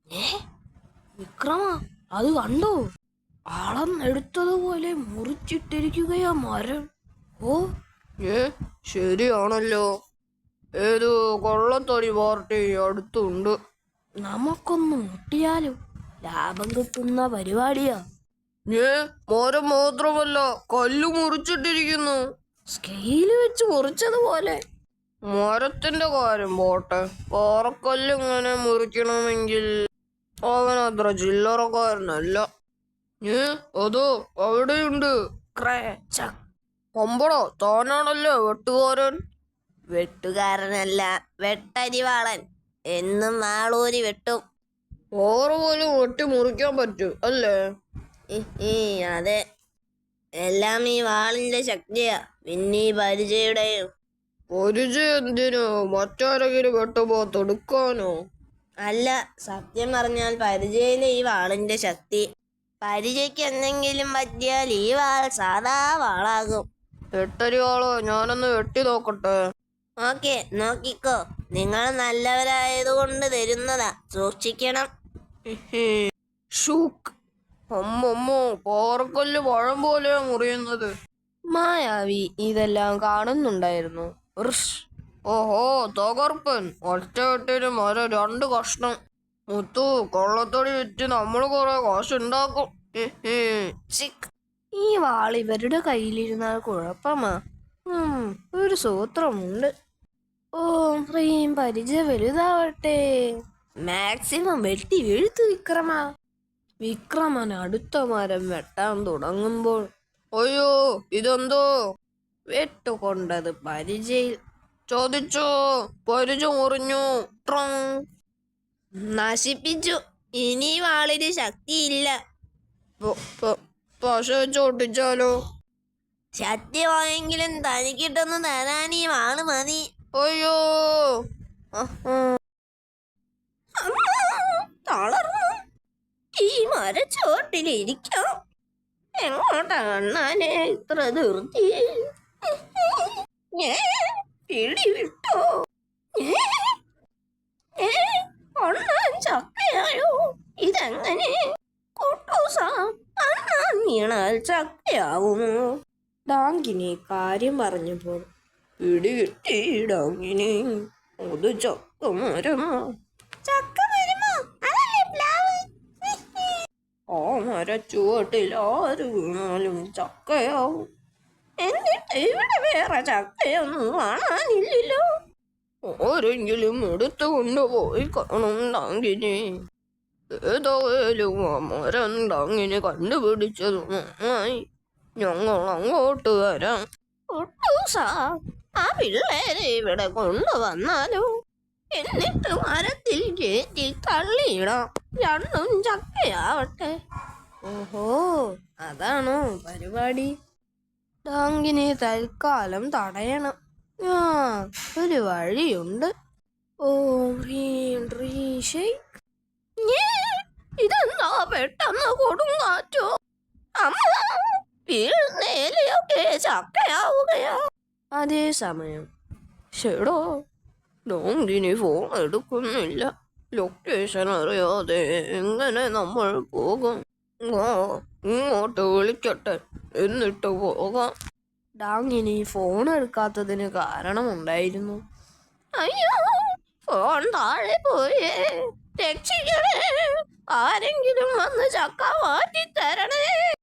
ഏ വിക്രമ, അത് കണ്ടോ? അളന്നെടുത്തതുപോലെ മുറിച്ചിട്ടിരിക്കുകയാ മരം. ഓ ശരിയാണല്ലോ. ഏതോ കൊള്ളത്തടി പാർട്ടി അടുത്തുണ്ട്. നമുക്കൊന്ന് മുട്ടിയാലോ? ലാഭം കിട്ടുന്ന പരിപാടിയാ. മരം മാത്രമല്ല, കല്ല് മുറിച്ചിട്ടിരിക്കുന്നു. സ്കെയില് വെച്ച് മുറിച്ചതുപോലെ. മരത്തിന്റെ കാര്യം പോട്ടെ, പാറക്കല്ല് ഇങ്ങനെ മുറിക്കണമെങ്കിൽ അവനത്ര ചില്ലറക്കാരനല്ല. അതോ അവിടെയുണ്ട്. അമ്പടോ, താനാണല്ലോ വെട്ടുകാരൻ. വെട്ടുകാരനല്ല, വെട്ടരിവാളൻ. എന്നും നാളൂരി വെട്ടും. പാറ പോലും വെട്ടി മുറിക്കാൻ പറ്റും അല്ലേ? അതെ, എല്ലാം ഈ വാളിന്റെ ശക്തിയാ, പിന്നെ ഈ പരിചയുടെയും. പരിചയം എന്തിനു? മറ്റാരെങ്കിലും വെട്ടുമ്പോ തൊടുക്കാനോ? അല്ല, സത്യം പറഞ്ഞാൽ പരിചയിലെ ഈ വാളിന്റെ ശക്തി. പരിചയ്ക്ക് എന്തെങ്കിലും പറ്റിയാൽ ഈ വാൾ സാധാ വാളാകും. വെട്ടരിവാളോ, ഞാനൊന്ന് വെട്ടി നോക്കട്ടെ. ഓക്കെ, നോക്കിക്കോ. നിങ്ങൾ നല്ലവരായതുകൊണ്ട് തരുന്നതാ, സൂക്ഷിക്കണം. ഷൂക്ക്. അമ്മമ്മോ, പാറക്കല്ല് പഴം പോലെയാ മുറിയുന്നത്. മായാവി ഇതെല്ലാം കാണുന്നുണ്ടായിരുന്നു. ഓഹോ, തകർപ്പൻ. ഒറ്റ വെട്ടിന് മരം 2 കഷ്ണം. മുത്തു, കൊള്ളത്തടി വിറ്റ് നമ്മൾ കുറെ കാശുണ്ടാക്കും. ഈ വാൾ ഇവരുടെ കയ്യിലിരുന്നാൽ കുഴപ്പമാ. ഒരു സൂത്രമുണ്ട്. ഓം ഹ്രീം പരിചയ വലുതാവട്ടെ. മാക്സിമം വെട്ടി വീഴ്ത്തു വിക്രമ. വിക്രമൻ അടുത്ത മരം വെട്ടാൻ തുടങ്ങുമ്പോൾ, അയ്യോ, ഇതെന്തോ? വെട്ടുകൊണ്ടത് പരിചയിൽ. ചോദിച്ചോ, പരിച മുറിഞ്ഞു. നശിപ്പിച്ചു. ഇനി വാളിന് ശക്തിയില്ല. പശ വെച്ച് ഒട്ടിച്ചാലോ? സത്യമായെങ്കിലും തനിക്കിട്ടൊന്ന് തരാൻ ഈ വാള് മതി. അയ്യോ, തളർന്നു. ഈ മരച്ചോട്ടിലിരിക്കാം. എങ്ങോട്ടാ കണ്ണാനെ ഇത്ര ധൃതി? പിടിവിട്ടോ? ഒണ്ണാൻ ചക്കയായോ? ഇതെങ്ങനെ? അണ്ണാൻ വീണാൽ ചക്കയാവുമോ? ഡാങ്കിനി കാര്യം പറഞ്ഞപ്പോൾ, പിടികിട്ടി ഡാങ്കിനി. അത് ചക്കമരമോ? ചക്കമരമോ? അതല്ലേ പ്ലാവ്. ആ മരച്ചുവട്ടിൽ ആര് വീണാലും ചക്കയാവും. എന്നിട്ട് ഇവിടെ വേറെ ചക്കയൊന്നും കാണാനില്ലല്ലോ. ആരെങ്കിലും എടുത്തു കൊണ്ടുപോയി കാണും ഡാങ്കിനി. ഏതായാലും ആ മരം ഡാങ്കിനി കണ്ടുപിടിച്ചത് നന്നായി. ഞങ്ങൾ അങ്ങോട്ട് വരാം. ആ പിള്ളേരെ ഇവിടെ കൊണ്ടുവന്നാലോ? എന്നിട്ട് മരത്തിൽ കയറ്റി തള്ളിയിടാം. 2 ചക്കയാവട്ടെ. ഓഹോ, അതാണോ പരിപാടി? ഡാങ്കിനെ തൽക്കാലം തടയണം. ഒരു വഴിയുണ്ട്. ഓം ഹ്രീം ഷെയ്ക്ക്. ഇതെന്താ പെട്ടെന്ന് കൊടുങ്കാറ്റോ? വീഴുന്നേലയൊക്കെ ചക്കയാവുകയാ. അതേസമയം ഷെടോ, ഡാങ്കിനി ഫോൺ എടുക്കുന്നില്ല. ലൊക്കേഷൻ അറിയാതെ എങ്ങനെ നമ്മൾ പോകും? ഇങ്ങോട്ട് വിളിക്കട്ടെ, എന്നിട്ട് പോകാം. ഡാങ്കിനി ഫോൺ എടുക്കാത്തതിന് കാരണമുണ്ടായിരുന്നു. അയ്യോ, ഫോൺ താഴെ പോയേ. രക്ഷിക്കണേ, ആരെങ്കിലും വന്ന് ചക്ക മാറ്റി തരണേ.